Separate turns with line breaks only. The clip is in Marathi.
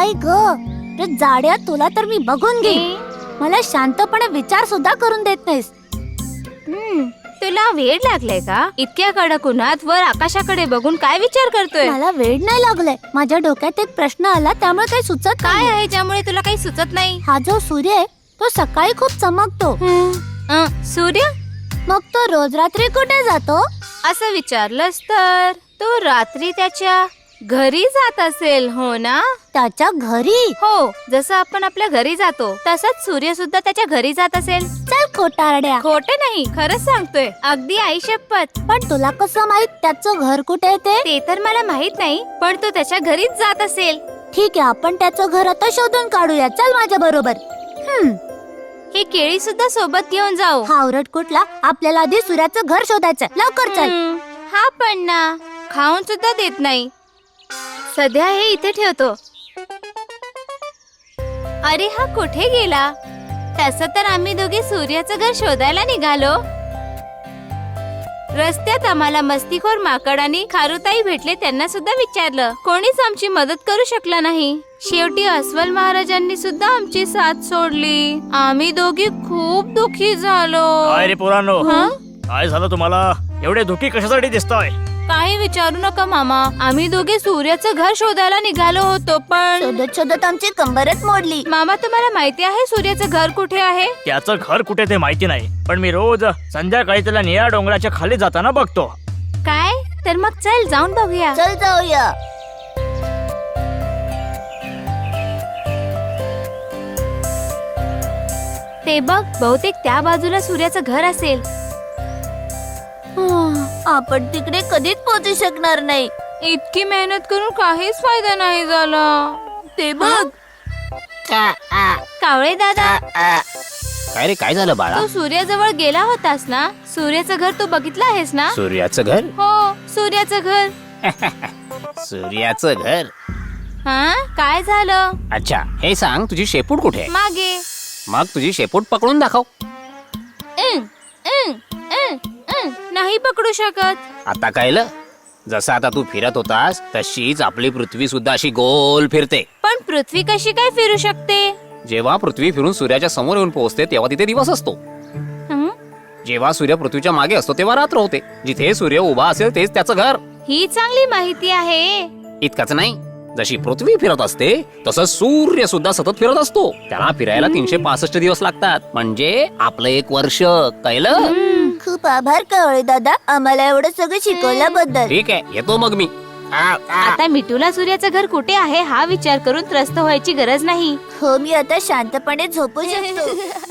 आई ग, रे जाड्या, तुला तर मी बघून घेईन. मला शांतपणे विचार सुद्धा करून देत नाहीस.
तुला वेळ लागलाय का? इतक्या कडक उन्हात वर आकाशाकडे बघून काय विचार करतोय?
मला वेळ नाही लागलाय. माझ्या डोक्यात एक प्रश्न आला, त्यामुळे काही सुचत
काय
नाही.
आहे ज्यामुळे तुला काही सुचत नाही?
हा जो सूर्य आहे तो सकाळी खूप चमकतो,
सूर्य?
मग तो रोज रात्री कुठे जातो?
असं विचारलंस तर तो रात्री त्याच्या घरी जात असेल, हो ना?
त्याच्या घरी?
हो, जसं आपण आपल्या घरी जातो तसंच सूर्य सुद्धा त्याच्या घरी जात असेल.
चल खोटारड्या.
खोटे नाही, खरंच सांगतोय, अगदी आई शपथ.
पण तुला कसं माहित त्याचं घर कुठे आहे ते?
ते तर मला माहित नाही, पण तो त्याच्या घरीच जात असेल.
ठीक आहे, आपण त्याचं घर आता शोधून काढूया. चल माझ्या बरोबर.
ही केळी सुद्धा सोबत घेऊन जाऊ.
हा ओरड कुठला? आपल्याला आधी सूर्याचं घर शोधायचं. लवकर चल.
हा पण ना, खाऊन सुद्धा देत नाही. सध्या हे इथे ठेवतो. अरे हा कुठे गेला? तसं तर आम्ही दोघे सूर्याचं घर शोधायला निघालो. रस्त्यात आम्हाला मस्तीखोर माकड आणि खारुताई भेटले. त्यांना सुद्धा विचारलं, कोणीच आमची मदत करू शकला नाही. शेवटी अस्वल महाराजांनी सुद्धा आमची साथ सोडली. आम्ही दोघी खूप दुःखी झालो.
काय रे पोरांनो,
हं?
काय झालं तुम्हाला? एवढे दुःखी कशासाठी दिसताय?
काही विचारू नका मामा, आम्ही दोघे सूर्याचं घर शोधायला निघालो होतो, पण
शोधत शोधत आमची कंबरच मोडली.
मामा तुम्हाला माहिती आहे सूर्याचं घर कुठे आहे?
त्याचं घर कुठे ते माहिती नाही, पण मी रोज संध्याकाळी त्याला निळ्या डोंगराच्या खाली जाताना बघतो.
काय? तर मग चल जाऊन बघूया.
चल जाऊया.
ते बघ, बहुतेक त्या बाजूला सूर्याचं घर असेल.
आपण तिकडे कधीच पोहोचू शकणार नाही.
इतकी मेहनत करून काहीच फायदा नाही झाला.
ते बघ.
कावळे दादा,
काय रे, काय झालं बाळा?
तू सूर्याजवळ गेला होतास ना? सूर्याचं घर तू बघितलं आहेस ना?
सूर्याचं घर?
हो, सूर्याचं घर.
सूर्याचं घर?
हा, काय झालं?
अच्छा, हे सांग, तुझी शेपूट कुठे आहे?
मागे.
मग तुझी शेपूट पकडून दाखव.
अं, अं, अं, अं. नाही पकडू शकत.
आता कळलं? जसं आता तू फिरत होतास तशीच आपली पृथ्वी सुद्धा अशी गोल फिरते.
पण पृथ्वी कशी काय फिरू शकते?
जेव्हा पृथ्वी फिरून सूर्याच्या समोर येऊन पोहोचते तेव्हा तिथे दिवस असतो.
हं?
जेव्हा सूर्य पृथ्वीच्या मागे असतो तेव्हा रात्र होते. जिथे सूर्य उभा असेल तेच त्याचं घर.
ही चांगली माहिती आहे.
इतकंच नाही, जशी पृथ्वी फिरत असते तसंच सूर्य सुद्धा सतत फिरत असतो. त्याला फिरायला 365 दिवस लागतात, म्हणजे आपलं 1 वर्ष. कळलं?
खूप आभार कावळे दादा, आम्हाला एवढं सगळं शिकवल्याबद्दल.
ठीक आहे, येतो मग मी.
आता मिठूला सूर्याचं घर कुठे आहे हा विचार करून त्रस्त व्हायची गरज नाही.
हो, मी आता शांतपणे झोपू शकतो.